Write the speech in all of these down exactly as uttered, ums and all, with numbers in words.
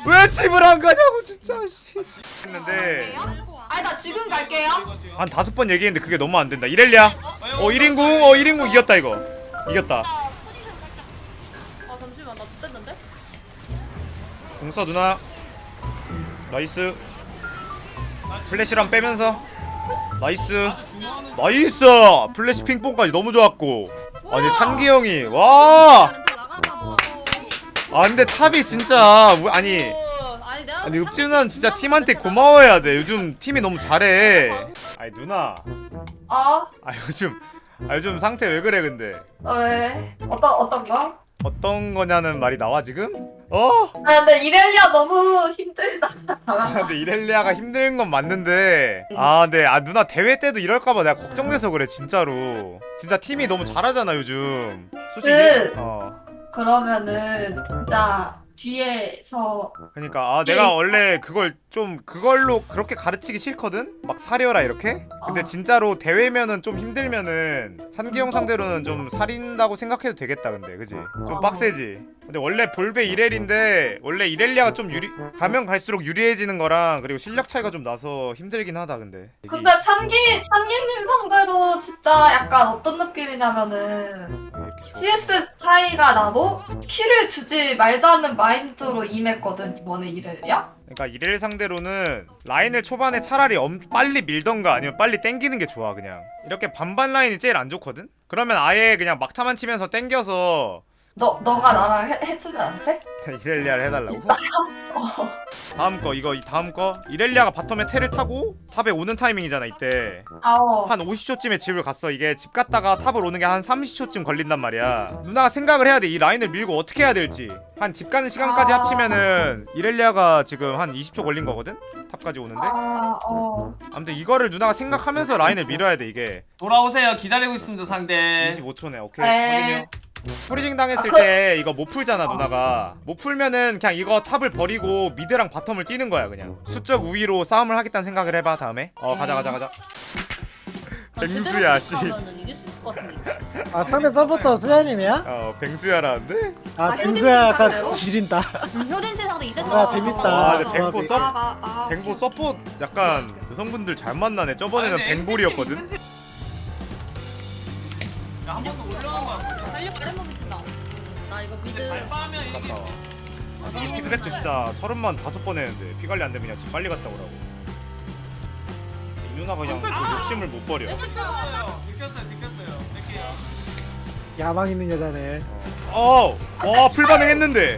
왜 집을 안 가냐고 진짜 씨. 했는데 아니 나 지금 갈게요. 한 다섯 번 얘기했는데 그게 너무 안 된다. 이렐리아. 어 일 인궁 어 일 인궁 이겼다 이거. 이겼다. 아 잠시만 나 X됐는데? 궁써 누나. 나이스. 플래시랑 빼면서 나이스. 나이스. 플래시 핑퐁까지 너무 좋았고. 아니 찬기 형이 와. 아 근데 탑이 진짜 우- 아니 아니 내가 아니 읍지 누나는 진짜 팀한테 고마워해야 돼. 요즘 팀이 너무 잘해. 아니 누나. 어? 아 요즘 아 요즘 상태 왜 그래 근데? 왜? 어떤 어떤 거? 어떤 거냐는 말이 나와 지금? 어? 아 근데 이렐리아 너무 힘들다. 아 근데 이렐리아가 힘든 건 맞는데 아 근데 아 누나 대회 때도 이럴까봐 내가 걱정돼서 그래 진짜로. 진짜 팀이 너무 잘하잖아 요즘. 솔직히 그- 어 그러면은 진짜 뒤에서 그러니까 아 내가 원래 그걸 좀 그걸로 그렇게 가르치기 싫거든? 막 사려라 이렇게? 근데 어. 진짜로 대회면은 좀 힘들면은 찬기 형 상대로는 좀 살인다고 생각해도 되겠다 근데 그지? 좀 어. 빡세지? 근데 원래 볼베 이렐인데 원래 이렐리아가 좀 유리 가면 갈수록 유리해지는 거랑 그리고 실력 차이가 좀 나서 힘들긴 하다 근데 이게 근데 찬기 찬기님 상대로 진짜 약간 어떤 느낌이냐면은 이렇게 좋아. 씨에스 차이가 나도 키를 주지 말자는 마인드로 임했거든 이번에 이렐리아. 그러니까 이렐 상대로는 라인을 초반에 차라리 엄, 빨리 밀던가 아니면 빨리 땡기는 게 좋아 그냥 이렇게 반반 라인이 제일 안 좋거든? 그러면 아예 그냥 막타만 치면서 땡겨서 너 너가 나랑 해, 해주면 안 돼? 이렐리아를 해달라고? 어. 다음 거 이거 이 다음 거 이렐리아가 바텀에 텔을 타고 탑에 오는 타이밍이잖아 이때 아오. 한 오십 초쯤에 집을 갔어. 이게 집 갔다가 탑을 오는 게 한 삼십 초쯤 걸린단 말이야. 누나가 생각을 해야 돼. 이 라인을 밀고 어떻게 해야 될지. 한 집 가는 시간까지 아. 합치면은 이렐리아가 지금 한 이십 초 걸린 거거든? 탑까지 오는데? 아 어. 아무튼 이거를 누나가 생각하면서 라인을 밀어야 돼 이게. 돌아오세요. 기다리고 있습니다 상대. 이십오 초네. 오케이. 네. 확인이요. 프리징 당했을 아, 그- 때 이거 못 풀잖아 누나가. 못 풀면은 그냥 이거 탑을 버리고 미드랑 바텀을 뛰는 거야 그냥. 수적 우위로 싸움을 하겠다는 생각을 해봐 다음에. 어 가자 가자 가자. 뱅수야 씨. 이길 수 있을 것 같은데. 아 상대 서포터 수야님이야? 어 뱅수야라는데? 아 아, 뱅수야 효진 약간 지린다. 효진 세상도 이랬다. 아, 재밌다. 아 근데 뱅보 조합이. 서 아, 아, 뱅보 서포 약간 여성분들 잘 만나네. 저번에는 아니, 근데 뱅볼이었거든. 엠지 야, 한 번 더 올라간 거야. 달려 빠른 몸이 쓴다. 나 이거 미드. 근데 잘 빠면 갔다 이기겠어. 와. 이 피드백도 진짜 서른만 다섯 번 했는데 피 관리 안 되면 그냥 집 빨리 갔다 오라고. 이 누나가 그냥 그 욕심을 못 버려. 느꼈어요. 느꼈어요. 느꼈어요. 뺄게요. 야망 있는 여자네. 어, 와, 풀 반응했는데.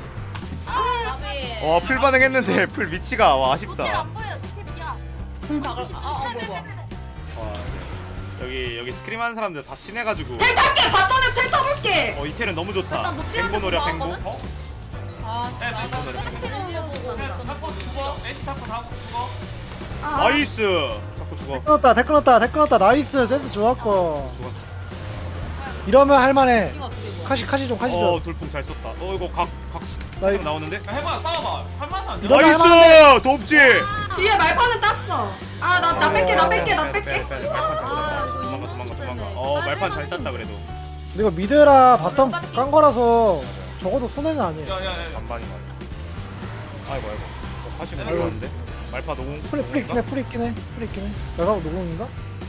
아, 와, 풀 반응했는데 풀 위치가 와 아쉽다. 응, 다 아, 아, 뭐, 뭐. 와, 네. 여기 여기 스크림하는 사람들 다 친해가지고. 텔 탈게. 바텀에 텔 타볼게. 어, 이텔은 너무 좋다. 일단 노티한테 뱅보 노려 뱅보. 나왔거든? 어? 아, 네, 네, 뱅보 노려 뱅보. 네, 잡고 죽어. 애쉬 잡고 다 죽어. 아. 나이스. 자꾸 죽어. 끊었다 태 끊었다 태 끊었다 나이스 센스 좋았고. 죽었어. 이러면 할만해. 이거 어떻게 뭐. 카시 카시 좀 카시 어, 좀. 돌풍 잘 썼다. 어, 이거 각각 나이스. 나오는데? 야, 해봐. 싸워봐. 할만하지 않냐? 이러면 할만한데. 나이스! 돕지. 뒤에 말판은 땄어. 아, 나, 나 뺄게, 나 뺄게, 나 빼, 뺄게. 빼, 빼, 빼. 말판 잘 아, 땄다. 이거 도망가 이거 도망가 도망가. 썼네. 어, 말판 잘 땄다 그래도. 근데 이거 미드라 바텀 깐 거라서 적어도 손해는 아니에요. 야, 야, 야. 반반이 맞아. 아이고 아이고. 어, 다시 못 아이고. 들어왔는데? 말파 노공. 풀이 풀이 있긴 해 풀이 있긴 해 풀이 있긴 해. 내가 노공인가?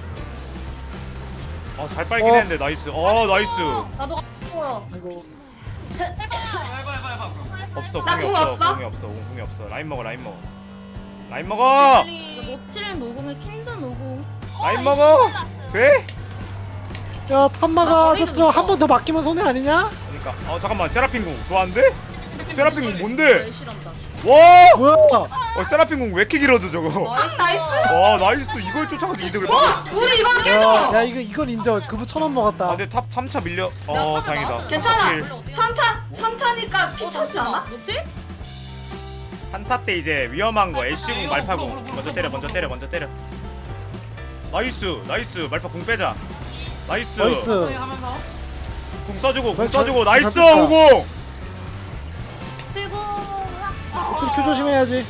어, 잘 빨긴 어. 했는데 나이스. 어, 나이스. 나도 보여. 아이고. 해봐, 해봐, 해봐, 해봐. 없어. 나 공이 궁 없어. 없어? 공이 없어. 공- 공이 없어. 라인 먹어. 라인 먹어. 라인 먹어. 모칠 노공을 킹드 노공. 라인 먹어. 돼? 야 나 탐마가 머리도 저쪽 있어. 한 번 더 맡기면 손해 아니냐? 그러니까 어 잠깐만. 세라핀 공 좋아한데? 세라핀 공 뭔데? 실한다. 와! 뭐야? 어, 세라핀 공 왜 이렇게 길어져 저거? 아, 나이스. 와, 나이스. 이걸 쫓아가서 이득을 봐. 와, 우리 이거 야, 깨줘. 야 이거 이건 인정. 그부 천 원 아, 먹었다. 근데 탑 삼 차 밀려. 어, 다행이다. 괜찮아. 킬. 삼 탄, 삼 타니까 피 차지 않아? 한타 때 이제 위험한 거 애쉬 공 이거 말파 물어, 공 물어, 물어, 먼저 물어, 때려 물어, 먼저 때려 먼저 때려. 나이스 나이스 말파 공 빼자. 나이스. 나이스. 하면서. 공 써주고 공 잘- 써주고 잘 나이스 뺐다. 오공. 들고. 큐 조심해야지.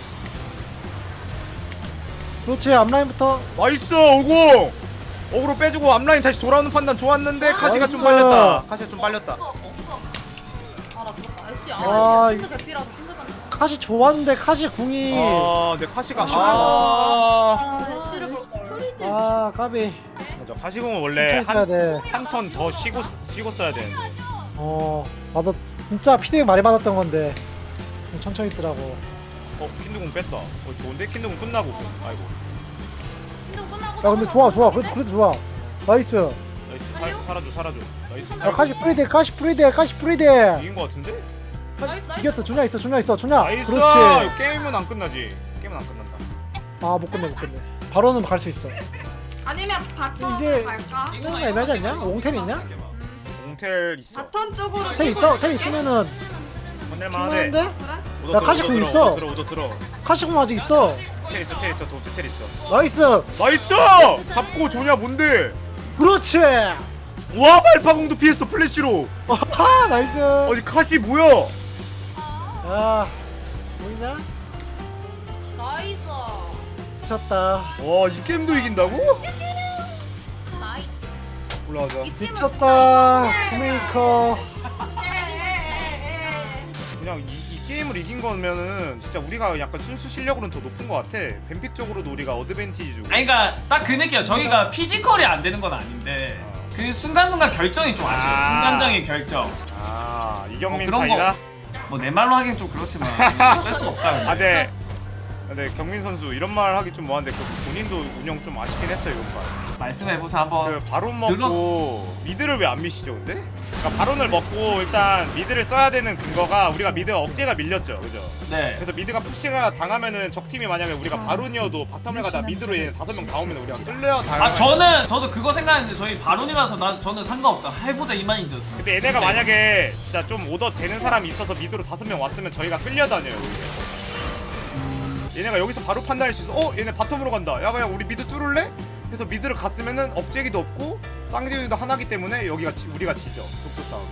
그렇지 앞라인부터. 나이스 오공. 어그로 빼주고 앞라인 다시 돌아오는 판단 좋았는데 카시가 좀 나이스. 빨렸다. 카시가 좀 빨렸다. 아, 나 죽었다. 알씨. 아, 아, 이거- 킹드 대피라서 킹드 반. 카시 좋았는데 카시 궁이 아, 내 카시가 카시 아, 아, 씨를 볼 스토리들. 아 까비 맞아. 카시공은 원래 천천히 써야 한 돼. 한 턴 더 쉬고 쉬고 써야 되는데. 어 나도 진짜 피드백 많이 받았던 건데 좀 천천히 쓰라고. 어, 킨드공 뺐다. 어, 좋은데 킨드공 끝나고. 아이고. 운동 끝나고. 야 근데 좋아 좋아 그래도 그래도 좋아. 나이스. 나이스. 살, 살아줘, 살아줘. 나이스. 야 카시 프리딜 카시 프리딜 카시 프리딜. 이긴 거 같은데? 나이스, 나이스. 이겼어. 준야 있어 준야 있어 준야. 나이스. 그렇지. 게임은 안 끝나지. 게임은 안 끝난다. 아 못 끝내 못 끝내. 바로는 갈 수 있어. 아니면 바텀 이제- 갈까? 이거 애매하지 않냐? 옹텔 있냐? 옹텔 있어. 바텀 쪽으로 텔 있어 텔 있으면은 건넬만하데. 그래? 오더 야, 들어, 카시공 오더 있어. 들어, 오더 들어. 카시공 아직 있어. 텔 있어, 텔 있어. 도트 텔 있어. 나이스. 나이스! 잡고 조냐 뭔데? 그렇지. 와, 말파공도 피했어 플래시로. 아 나이스. 아니 카시 뭐야? 야 보이나? 나이스. 미쳤다. 와, 이 게임도 이긴다고? 나이스. 올라가자. 미쳤다. 스메이커. 그냥 이, 이 게임을 이긴 거면은 진짜 우리가 약간 순수 실력으로는 더 높은 것 같아. 뱀픽 쪽으로도 우리가 어드밴티지 주고. 아니 그니까 딱 그 느낌이야. 저희가 피지컬이 안 되는 건 아닌데 그 순간순간 결정이 좀 아쉬워. 아. 순간적인 결정. 아, 이경민 어, 그런 차이다. 뭐 내 말로 하긴 좀 그렇지만 뺄 수 없다. 근데. 아, 네. 네, 경민 선수 이런 말 하기 좀 뭐한데 그 본인도 운영 좀 아쉽긴 했어요 이번 판. 말씀해보세요 한번. 그 바론 먹고 미드를 왜 안 미시죠 근데? 그러니까 바론을 먹고 일단 미드를 써야 되는 근거가 우리가 미드가 억제가 밀렸죠, 그죠? 네. 그래서 미드가 푸시가 당하면은 적 팀이 만약에 우리가 바론이어도 바텀을 가다 미드로 얘 다섯 명 다 오면 우리가 끌려 당. 아 저는 저도 그거 생각했는데 저희 바론이라서 난 저는 상관없다. 해보자 이 마인드였어. 근데 얘네가 만약에 진짜 좀 오더 되는 사람이 있어서 미드로 다섯 명 왔으면 저희가 끌려다녀요 오히려. 얘네가 여기서 바로 판단할 수 있어. 어? 얘네 바텀으로 간다. 야 그냥 우리 미드 뚫을래? 그래서 미드를 갔으면은 업제기도 없고 쌍둥이도 하나기 때문에 여기가 지, 우리가 지죠. 독도 싸움.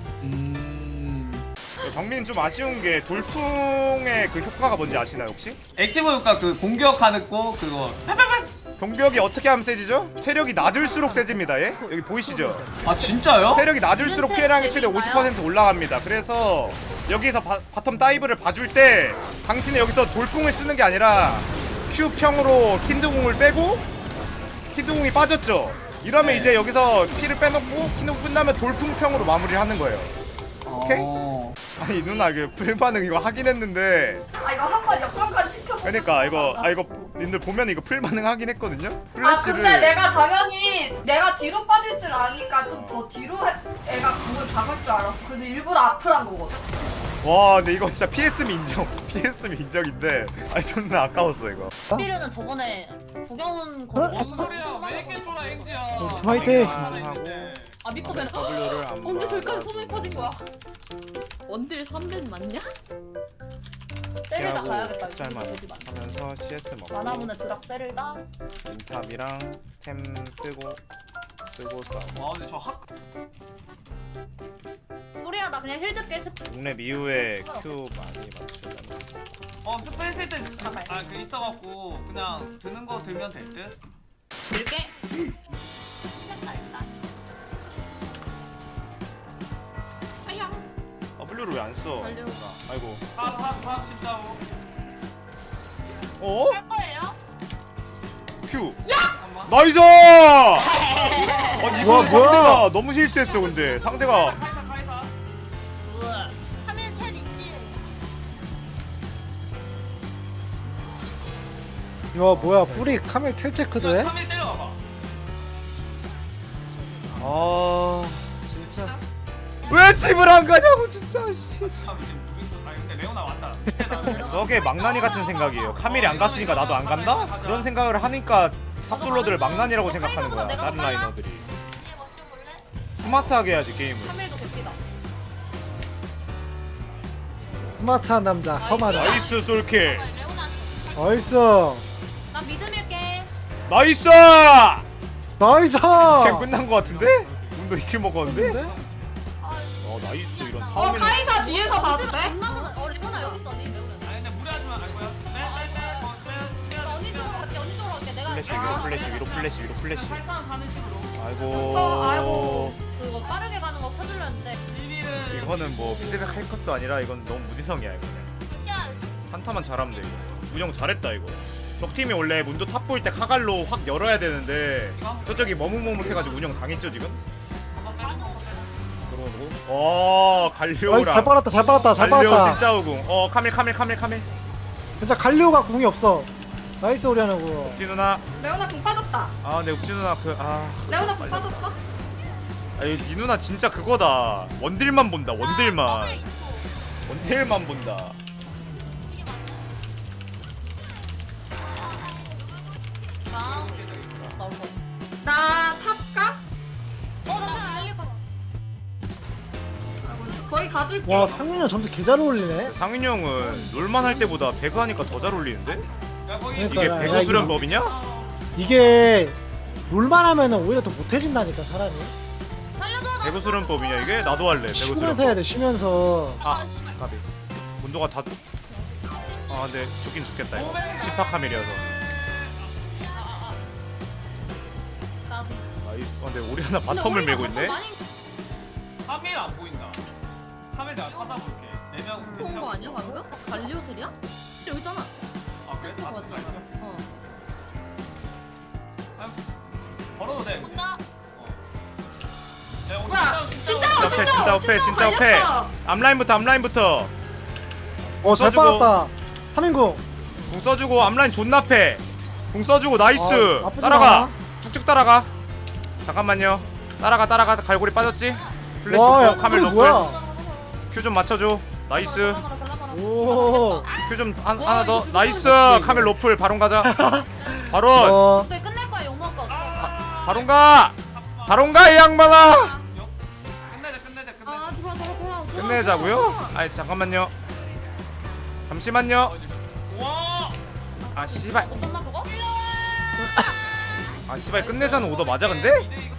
음. 경민은 좀 아쉬운 게 돌풍의 그 효과가 뭔지 아시나요 혹시? 액티브 효과 그 공격하는 거 그거. 병력이 어떻게 하면 세지죠? 체력이 낮을수록 세집니다. 얘? 여기 보이시죠? 아 진짜요? 체력이 낮을수록 피해량이 최대 오십 퍼센트 올라갑니다. 그래서 여기서 바, 바텀 다이브를 봐줄 때 당신은 여기서 돌풍을 쓰는 게 아니라 Q평으로 킨드궁을 빼고 킨드궁이 빠졌죠? 이러면 네. 이제 여기서 피를 빼놓고 킨드궁 끝나면 돌풍평으로 마무리를 하는 거예요. 오케이? 어. 아니 누나 그 풀반응 이거 하긴 했는데 아 이거 한 번 역전까지 시켜보. 그러니까 이거 아 이거 님들 보면 이거 풀반응 하긴 했거든요? 아 플래시를 근데 내가 당연히 내가 뒤로 빠질 줄 아니까 좀 더 뒤로 해- 애가 공을 박을 줄 알았어. 그래서 일부러 앞을 한 거거든. 와 근데 이거 진짜 피에스미 인정 피에스미 인정인데 아니 존나 아까웠어 이거. 피르는 저번에 도경은 거. 어? 뭔 소리야? 왜 이렇게 쫄아 앵지야? 화이팅! 아 믿고 뵈는. W를 안 언제 저기까지 받아주고. 손을 퍼진 거야? 원딜 삼 벤 맞냐? 때리다 가야겠다. 이거 짤만 어디 맞나? 하면서 씨에스 먹고 만화문에 드락 때리다. 인탑이랑 템 뜨고 뜨고 싸움. 와 근데 저 학. 소리야 나 그냥 힐드 깨. 육렙 이후에 Q 많이 맞추면 어 스펠 쓸때 아그 있어갖고 그냥 드는 거 들면 될 듯. 들게. 아야. W를 왜 안 써? 달려. 아이고. 팝팝팝 십자오. 어? 할 거예요? Q. 잠깐만. 나이스! 아니 이거 와, 뭐야? 상대가 너무 실수했어 근데 상대가 카이사 카이사. 우와. 하면 텔 있지. 야 뭐야 뿌리 카멜 텔 체크도 해? 카밀 때려봐봐. 아 진짜 왜 집을 안 가냐고 진짜 씨. 참 이제 무빙. 아 근데 레오나 왔다. 저게 망나니 같은 생각이에요. 카밀이 안 갔으니까 나도 안 간다? 그런 생각을 하니까 탑솔러들을 망나니라고 생각하는 거야. 다른 라이너들이. 스마트하게 해야지 게임을. 카밀도 도끼다. 스마트한 남자 험하다. 나이스 솔킬. 레오나. 나이스 나 미드 밀게. 나이스! 나이스. 게임 끝난 거 같은데? 운도 이킬 먹었는데? 근데? 어 나이스 이런 어 타오미는 카이사 뒤에서 봐도 돼? 어 리보나 여기 있어. 니 레오나. 아니 근데 무리하지 마. 아이고야. 빼빼빼. 나 언니 쪽으로 갈게. 언니 쪽으로 갈게. 내가. 플래시 위로 플래시 위로 플래시 위로 플래시. 팔상 사는 식으로. 아이고. 어, 아이고. 그거 빠르게 가는 거 켜둘렸는데. 시비를. 이거는 뭐 피드백 할 것도 아니라 이건 너무 무지성이야 이거는. 야 한타만 잘하면 돼 이거. 운영 잘했다 이거. 적팀이 원래 문도 탑 보일 때 카갈로 확 열어야 되는데 저쪽이 머뭇머뭇해가지고 운영 당했죠 지금? 들어오고. 어 아이, 갈리오랑 잘 빨았다 잘 빨았다 잘 갈리오 빨았다. 진짜 우궁. 어 카밀 카밀 카밀 카밀. 진짜 갈리오가 궁이 없어. 나이스 오리아나 궁. 욱지 누나. 레오나 궁 빠졌다. 아 근데 욱지 누나 그아 레오나 궁 빠졌어? 아니 이 누나 진짜 그거다. 원딜만 본다 원딜만. 원딜만 본다. 나 탑가? 어나 알릴 거야. 거의 가줄게. 와 상윤이 점수 개 잘 어울리네. 상윤이 형은 롤만 할 때보다 배그 하니까 더 잘 어울리는데? 야 거기 그러니까. 이게 야, 배그 이거- 수련법이냐? 이게 롤만 하면은 오히려 더 못해진다니까 사람이. 살려줘. 배그 수련법이냐 이게? 나도 할래 배그 쉬면서 수련법. 해야 돼 쉬면서. 아 가비. 문도가 다. 아 근데 죽긴 죽겠다 이거. 십파 카밀이어서. 나도. 나이스. 아 근데 우리 하나 바텀을 밀고 있네. 카밀 안 보인다. 카밀 내가 찾아볼게. 네명 좋은 거 아니야 방금? 갈리오들이야? 여기 있잖아. 아 그래? 다 맞지? 있어? 어. 걸어도 돼. 근데. 나 야, 오늘 뭐야? 진짜 진짜 진짜 진짜 진짜 오페 진짜 오페. 앞라인부터 앞라인부터. 어 잘 써주고. 빨았다. 삼인궁. 궁 써주고 앞라인 존나 패. 궁 써주고 나이스. 아, 나쁘지 따라가. 않아. 쭉쭉 따라가. 잠깐만요. 따라가 따라가. 갈고리 빠졌지? 플래시 와, 야, 좋고 카밀 꿀이 노플. 뭐야? 큐 좀 맞춰줘. 나이스. 오. 큐 좀 하나 와, 더. 이거 나이스. 좋다, 카밀 노플 바론 가자. 바론. 어. 근데 끝낼 거야 욕먹을 거 없어. 바론 가. 바론 가 이 양반아. 끝내자 끝내자 끝내자. 아 돌아 돌아 돌아. 돌아, 끝내자고요? 돌아. 아니 잠깐만요. 잠시만요. 와! 아 씨발. 못 썼나 그거? 아 씨발 끝내자는 오더 맞아 근데?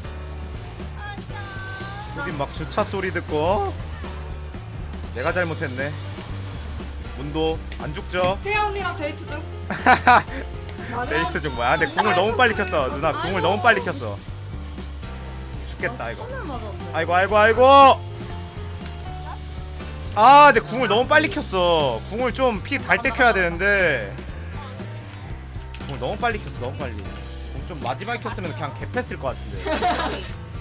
여긴 막 주차 소리 듣고 내가 잘못했네. 문도 안 죽죠? 세아 언니랑 데이트 중. 나는 데이트 중 뭐야? 근데 궁을 너무 빨리 켰어. 누나 궁을 너무 빨리 켰어. 죽겠다 이거. 손을 맞았네. 아이고 아이고 아이고. 아 근데 궁을 너무 빨리 켰어. 궁을 좀 피 달 때 켜야 되는데 궁을 너무 빨리 켰어. 너무 빨리. 궁 좀 마지막에 켰으면 그냥 개패스일 것 같은데.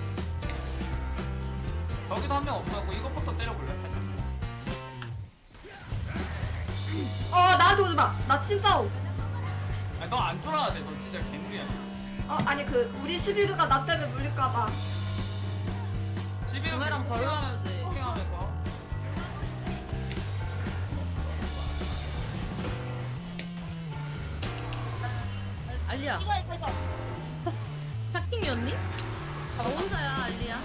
여기도 한 명 없었고 이것부터 때려볼래 살짝. 어 나한테 오지 마. 나 진짜 오. 아니 너안 쫄아야 돼. 너 진짜 개물이야. 어 아니 그 우리 시비르가 나 때문에 물릴까봐. 집에 구매랑 덜 나오지. 포킹하면서. 알리야. 이거 이거 이거. 샤킹이었니? 너 혼자야 알리야.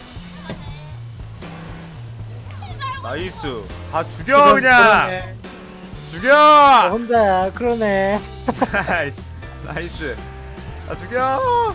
나이스. 다 죽여 그냥. 너 죽여. 혼자야 그러네. 나이스. 나이스. 다 죽여.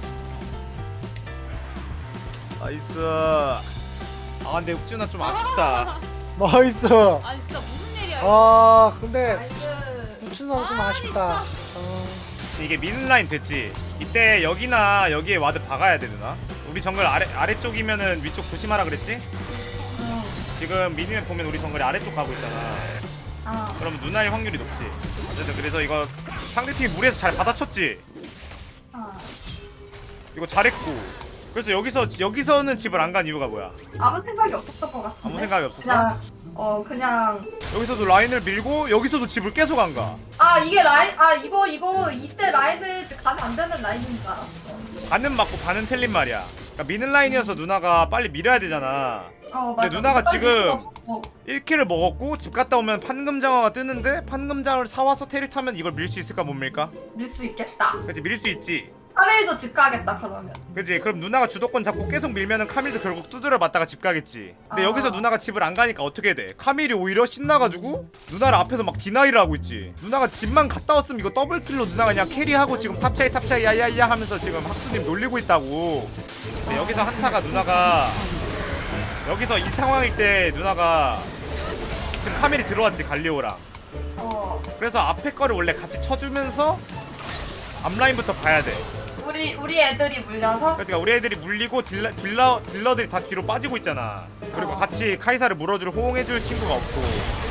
나이스. 아 근데 욱준아 좀 아쉽다. 나이스. 아니 진짜 무슨 일이야? 아 근데 나이스. 우춘아 좀 아쉽다. 어. 이게 미는 라인 됐지. 이때 여기나 여기에 와드 박아야 돼 누나. 우리 정글 아래 아래쪽이면은 위쪽 조심하라 그랬지? 지금 미니맵 보면 우리 정글이 아래쪽 가고 있잖아. 아 그러면 누나일 확률이 높지. 어쨌든 그래서 이거 상대팀이 무리해서 잘 받아쳤지. 아. 이거 잘했고. 그래서 여기서 여기서는 집을 안 간 이유가 뭐야? 아무 생각이 없었던 것 같은데. 아무 생각이 없었어? 그냥 어 그냥 여기서도 라인을 밀고 여기서도 집을 계속 안 가. 아 이게 라인 아 이거 이거 이때 라인을 가면 안 되는 라인인 줄 알았어. 반은 맞고 반은 틀린 말이야. 그러니까 미는 라인이어서 누나가 빨리 밀어야 되잖아. 어 맞아. 근데 누나가 어떤 지금 이유가 없었고. 일 킬을 먹었고 집 갔다 오면 판금장어가 뜨는데 판금장어를 사와서 테를 타면 이걸 밀 수 있을까 못 밀까? 밀 수 있겠다. 그치 밀 수 있지. 카멜도 집 가겠다 그러면. 그치 그럼 누나가 주도권 잡고 계속 밀면은 카밀도 결국 두드려 맞다가 집 가겠지. 근데 아. 여기서 누나가 집을 안 가니까 어떻게 돼? 카밀이 오히려 신나가지고 누나를 앞에서 막 디나이를 하고 있지. 누나가 집만 갔다 왔으면 이거 더블킬로 누나가 그냥 캐리하고 지금 탑차이 탑차이 야야야 하면서 지금 학수님 놀리고 있다고. 근데 여기서 한타가 누나가 여기서 이 상황일 때 누나가 지금 카밀이 들어왔지 갈리오랑. 어 그래서 앞에 거를 원래 같이 쳐주면서 앞라인부터 봐야 돼. 우리 우리 애들이 물려서 그러니까 우리 애들이 물리고 딜러, 딜러, 딜러들이 다 뒤로 빠지고 있잖아. 그리고 어. 같이 카이사를 물어줄 호응해줄 친구가 없고. 그치?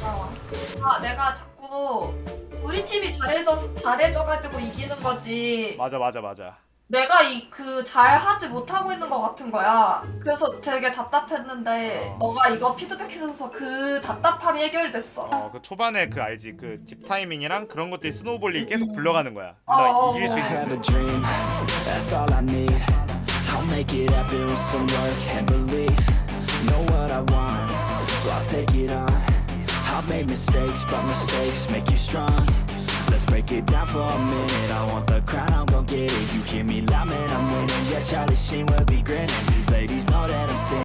어. 아 내가 자꾸 우리 팀이 잘해줘 잘해줘가지고 이기는 거지. 맞아 맞아 맞아. 내가 이 그 잘하지 못하고 있는 것 같은 거야. 그래서 되게 답답했는데 어. 너가 이거 피드백해줘서 그 답답함이 해결됐어. 어 그 초반에 그 알지 그 딥 타이밍이랑 그런 것들이 스노우볼링이 계속 굴러가는 거야. 어, 누나 어, 이길 수 어. 있는. have a dream, that's all I need. I'll make it happen with some work and belief. Know what I want, so I'll take it on. I've made mistakes, but mistakes make you strong. Let's break it down for a minute. I want the crown, I'm gon' get it. You hear me loud, man, I'm winning. Yeah, Charlie Sheen will be grinning. These ladies know that I'm sinning.